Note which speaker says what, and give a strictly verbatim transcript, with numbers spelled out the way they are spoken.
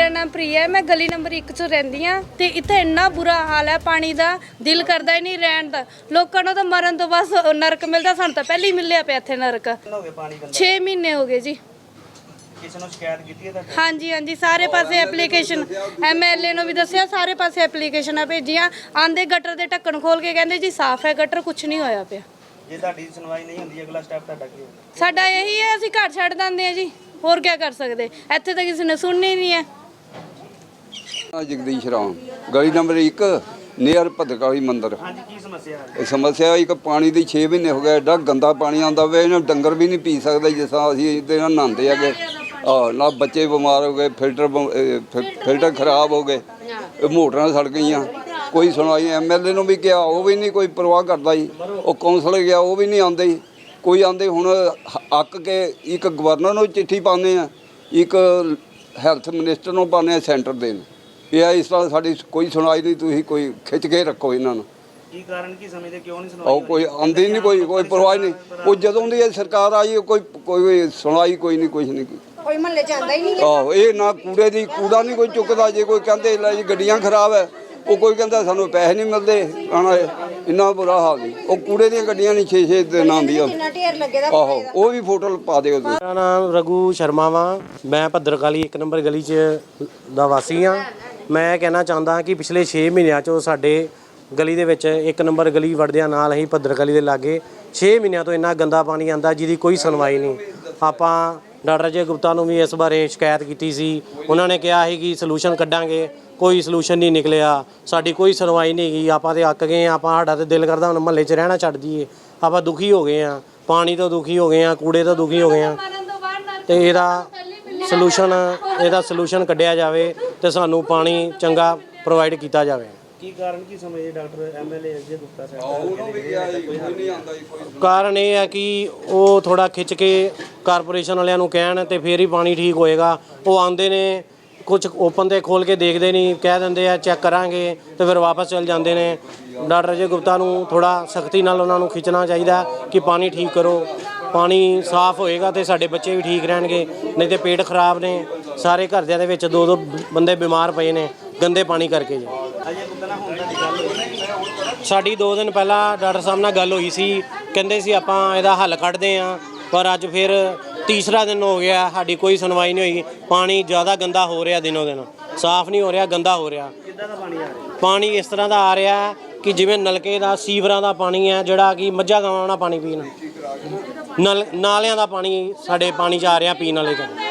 Speaker 1: मेरा नाम प्रिया है, मैं गली नंबर एक च रहिंदी हाँ ते इत्थे इन्ना बुरा हाल है पानी दा, दिल करदा ही नहीं रहन दा। लोकां नूं तां मरन तो बस नरक मिलदा, सानूं तां पहले ही मिलिया पिया इत्थे नरक। छे महीने हो गए जी। हाँ जी हाँ जी, सारे पासे एप्लीकेशन एम एल ए नूं भी दस्सिया, सारे पासे एप्लीकेशनां भेजियां। आंदे गटर दे ढक्कन खोल के कहंदे जी साफ है गटर, कुछ नहीं होया पिया।
Speaker 2: ਜੇ ਤੁਹਾਡੀ ਸੁਣਵਾਈ ਨਹੀਂ ਹੁੰਦੀ ਅਗਲਾ ਸਟੈਪ ਤੁਹਾਡਾ ਕੀ ਹੋਊਗਾ?
Speaker 1: ਸਾਡਾ ਇਹੀ ਹੈ, ਅਸੀਂ ਘਰ ਛੱਡ ਦਿੰਦੇ ਹਾਂ ਜੀ, ਹੋਰ ਕੀ ਕਰ ਸਕਦੇ, ਇੱਥੇ ਤਾਂ ਕਿਸੇ ਨੇ ਸੁਣਨੀ ਨਹੀਂ ਹੈ।
Speaker 3: ਜਗਦੀਸ਼ ਰਾਮ, ਗਲੀ ਨੰਬਰ ਇੱਕ ਨੀਅਰ ਭਦਰਕਾਲੀ ਮੰਦਿਰ।
Speaker 2: ਹਾਂਜੀ, ਕੀ ਸਮੱਸਿਆ ਹੈ?
Speaker 3: ਇਹ ਸਮੱਸਿਆ ਇੱਕ ਪਾਣੀ ਦੀ ਛੇ ਮਹੀਨੇ ਹੋ ਗਏ, ਐਡਾ ਗੰਦਾ ਪਾਣੀ ਆਉਂਦਾ ਵੇ, ਇਹਨਾਂ ਡੰਗਰ ਵੀ ਨਹੀਂ ਪੀ ਸਕਦੇ ਜਿਸ ਤਰ੍ਹਾਂ ਅਸੀਂ ਇਹਦੇ ਨਾਲ ਨਹਾਉਂਦੇ ਹੈਗੇ। ਆ ਨਾ ਬੱਚੇ ਬਿਮਾਰ ਹੋ ਗਏ, ਫਿਲਟਰ ਫਿਲਟਰ ਖਰਾਬ ਹੋ ਗਏ, ਮੋਟਰਾਂ ਸੜ ਗਈਆਂ, ਕੋਈ ਸੁਣਵਾਈ। ਐਮ ਐਲ ਏ ਨੂੰ ਵੀ ਕਿਹਾ, ਉਹ ਵੀ ਨਹੀਂ ਕੋਈ ਪਰਵਾਹ ਕਰਦਾ ਜੀ। ਉਹ ਕੌਂਸਲਰ ਗਿਆ, ਉਹ ਵੀ ਨਹੀਂ ਆਉਂਦੇ ਜੀ, ਕੋਈ ਆਉਂਦੇ। ਹੁਣ ਅੱਕ ਕੇ ਇੱਕ ਗਵਰਨਰ ਨੂੰ ਚਿੱਠੀ ਪਾਉਂਦੇ ਆ, ਇੱਕ ਹੈਲਥ ਮਿਨਿਸਟਰ ਨੂੰ ਪਾਉਂਦੇ ਆ ਸੈਂਟਰ ਦੇ ਨੂੰ, ਇਹ ਇਸ ਤਰ੍ਹਾਂ ਸਾਡੀ ਕੋਈ ਸੁਣਵਾਈ ਨਹੀਂ, ਤੁਸੀਂ ਕੋਈ ਖਿੱਚ ਕੇ ਰੱਖੋ ਇਹਨਾਂ ਨੂੰ।
Speaker 2: ਕੀ ਕਾਰਨ ਕੀ ਸਮਝਦੇ, ਕਿਉਂ ਨਹੀਂ ਸੁਣਵਾਈ?
Speaker 3: ਉਹ ਕੋਈ ਆਉਂਦੀ ਨਹੀਂ, ਕੋਈ ਕੋਈ ਪਰਵਾਹ ਨਹੀਂ। ਉਹ ਜਦੋਂ ਦੀ ਇਹ ਸਰਕਾਰ ਆਈ ਕੋਈ ਕੋਈ ਸੁਣਵਾਈ ਕੋਈ ਨਹੀਂ, ਕੁਛ ਨਹੀਂ,
Speaker 4: ਕੋਈ ਮਹੱਲੇ ਚ ਆਉਂਦਾ ਹੀ ਨਹੀਂ।
Speaker 3: ਆਹੋ, ਇਹ ਨਾ ਕੂੜੇ ਦੀ ਕੂੜਾ ਨਹੀਂ ਕੋਈ ਚੁੱਕਦਾ। ਜੇ ਕੋਈ ਕਹਿੰਦੇ ਲੈ ਜੀ ਗੱਡੀਆਂ ਖਰਾਬ ਹੈ, ਉਹ ਕੋਈ ਕਹਿੰਦਾ ਸਾਨੂੰ ਪੈਸੇ ਨਹੀਂ ਮਿਲਦੇ ਆਣਾ, ਇੰਨਾ ਬੁਰਾ ਹਾਲ ਨਹੀਂ। ਉਹ ਕੂੜੇ ਦੀਆਂ ਗੱਡੀਆਂ ਨਹੀਂ ਛੇ ਛੇ ਦਿਨ ਆਉਂਦੀਆਂ। ਆਹੋ, ਉਹ ਵੀ ਫੋਟੋ ਪਾ ਦਿਓ।
Speaker 5: ਮੇਰਾ ਨਾਮ ਰਘੂ ਸ਼ਰਮਾ ਵਾ, ਮੈਂ ਭੱਦਰਕਾਲੀ ਇੱਕ ਨੰਬਰ ਗਲੀ 'ਚ ਦਾ ਵਾਸੀ ਹਾਂ। ਮੈਂ ਕਹਿਣਾ ਚਾਹੁੰਦਾ ਕਿ ਪਿਛਲੇ ਛੇ ਮਹੀਨਿਆਂ 'ਚੋਂ ਸਾਡੇ ਗਲੀ ਦੇ ਵਿੱਚ ਇੱਕ ਨੰਬਰ ਗਲੀ ਵੜਦਿਆਂ ਨਾਲ ਹੀ ਭੱਦਰਕਾਲੀ ਦੇ ਲਾਗੇ ਛੇ ਮਹੀਨਿਆਂ ਤੋਂ ਇੰਨਾ ਗੰਦਾ ਪਾਣੀ ਆਉਂਦਾ ਜਿਹਦੀ ਕੋਈ ਸੁਣਵਾਈ ਨਹੀਂ। ਆਪਾਂ ਡਾਕਟਰ ਅਜੇ ਗੁਪਤਾ ਨੂੰ ਵੀ ਇਸ ਬਾਰੇ ਸ਼ਿਕਾਇਤ ਕੀਤੀ ਸੀ, ਉਹਨਾਂ ਨੇ ਕਿਹਾ ਸੀ ਕਿ ਸੋਲੂਸ਼ਨ ਕੱਢਾਂਗੇ, ਕੋਈ ਸੋਲੂਸ਼ਨ ਨਹੀਂ ਨਿਕਲਿਆ, ਸਾਡੀ ਕੋਈ ਸੁਣਵਾਈ ਨਹੀਂ ਗਈ। ਆਪਾਂ ਤੇ ਅੱਕ ਗਏ, ਆਪਾਂ ਸਾਡਾ ਤੇ ਦਿਲ ਕਰਦਾ ਹੁਣ ਮਹੱਲੇ 'ਚ ਰਹਿਣਾ ਛੱਡ ਦਈਏ। ਆਪਾਂ ਦੁਖੀ ਹੋ ਗਏ ਹਾਂ, ਪਾਣੀ ਤੋਂ ਦੁਖੀ ਹੋ ਗਏ ਹਾਂ, ਕੂੜੇ ਤੋਂ ਦੁਖੀ ਹੋ ਗਏ ਹਾਂ, ਤੇ ਇਹਦਾ ਸੋਲੂਸ਼ਨ ਇਹਦਾ ਸੋਲੂਸ਼ਨ ਕੱਢਿਆ ਜਾਵੇ ਤੇ ਸਾਨੂੰ ਪਾਣੀ ਚੰਗਾ ਪ੍ਰੋਵਾਈਡ ਕੀਤਾ ਜਾਵੇ।
Speaker 2: ਕੀ ਕਾਰਨ ਕੀ ਸਮਝਦੇ doctor M L A Ajay Gupta ਸਾਹਿਬ?
Speaker 5: ਕਾਰਨ ਇਹ ਹੈ ਕਿ ਉਹ ਥੋੜਾ ਖਿੱਚ ਕੇ ਕਾਰਪੋਰੇਸ਼ਨ ਵਾਲਿਆਂ ਨੂੰ ਕਹਿਣ ਤੇ ਫੇਰ ਹੀ ਪਾਣੀ ਠੀਕ ਹੋਏਗਾ। ਉਹ ਆਉਂਦੇ ਨੇ, ਕੁਝ ਓਪਨ 'ਤੇ ਖੋਲ੍ਹ ਕੇ ਦੇਖਦੇ ਨਹੀਂ, ਕਹਿ ਦਿੰਦੇ ਆ ਚੈੱਕ ਕਰਾਂਗੇ ਤੇ ਫਿਰ ਵਾਪਸ ਚਲ ਜਾਂਦੇ ਨੇ। ਡਾਕਟਰ ਅਜੇ ਗੁਪਤਾ ਨੂੰ ਥੋੜਾ ਸਖਤੀ ਨਾਲ ਉਹਨਾਂ ਨੂੰ ਖਿੱਚਣਾ ਚਾਹੀਦਾ ਕਿ ਪਾਣੀ ਠੀਕ ਕਰੋ, ਪਾਣੀ ਸਾਫ਼ ਹੋਏਗਾ ਤੇ ਸਾਡੇ ਬੱਚੇ ਵੀ ਠੀਕ ਰਹਿਣਗੇ। ਨਹੀਂ ਤੇ ਪੇਟ ਖਰਾਬ ਨੇ, ਸਾਰੇ ਘਰਦਿਆਂ ਦੇ ਵਿੱਚ ਦੋ ਦੋ ਬੰਦੇ ਬਿਮਾਰ ਪਏ ਨੇ ਗੰਦੇ ਪਾਣੀ ਕਰਕੇ ਜੀ।
Speaker 2: ਅਜੇ ਗੁਪਤਾ ਨਾਲ ਹੁਣ ਦੀ ਗੱਲ ਹੋਈ?
Speaker 5: ਸਾਡੀ ਦੋ ਦਿਨ ਪਹਿਲਾਂ ਡਾਕਟਰ ਸਾਹਿਬ ਨਾਲ ਗੱਲ ਹੋਈ ਸੀ, ਕਹਿੰਦੇ ਸੀ ਆਪਾਂ ਇਹਦਾ ਹੱਲ ਕੱਢਦੇ ਹਾਂ, ਪਰ ਅੱਜ ਫਿਰ ਤੀਸਰਾ ਦਿਨ ਹੋ ਗਿਆ, ਸਾਡੀ ਕੋਈ ਸੁਣਵਾਈ ਨਹੀਂ ਹੋਈ। ਪਾਣੀ ਜ਼ਿਆਦਾ ਗੰਦਾ ਹੋ ਰਿਹਾ, ਦਿਨੋਂ ਦਿਨ ਸਾਫ਼ ਨਹੀਂ ਹੋ ਰਿਹਾ, ਗੰਦਾ ਹੋ ਰਿਹਾ।
Speaker 2: ਕਿੱਦਾਂ ਦਾ ਪਾਣੀ ਆ ਰਿਹਾ?
Speaker 5: ਪਾਣੀ ਇਸ ਤਰ੍ਹਾਂ ਦਾ ਆ ਰਿਹਾ ਕਿ ਜਿਵੇਂ ਨਲਕੇ ਦਾ ਸੀਵਰਾਂ ਦਾ ਪਾਣੀ ਹੈ, ਜਿਹੜਾ ਕਿ ਮੱਝਾਂ ਗਾਵਾਂ ਨਾਲ ਪਾਣੀ ਪੀਣ, ਨਲ ਨਾਲਿਆਂ ਦਾ ਪਾਣੀ ਸਾਡੇ ਪਾਣੀ 'ਚ ਆ ਰਿਹਾ ਪੀਣ ਵਾਲੇ 'ਚ।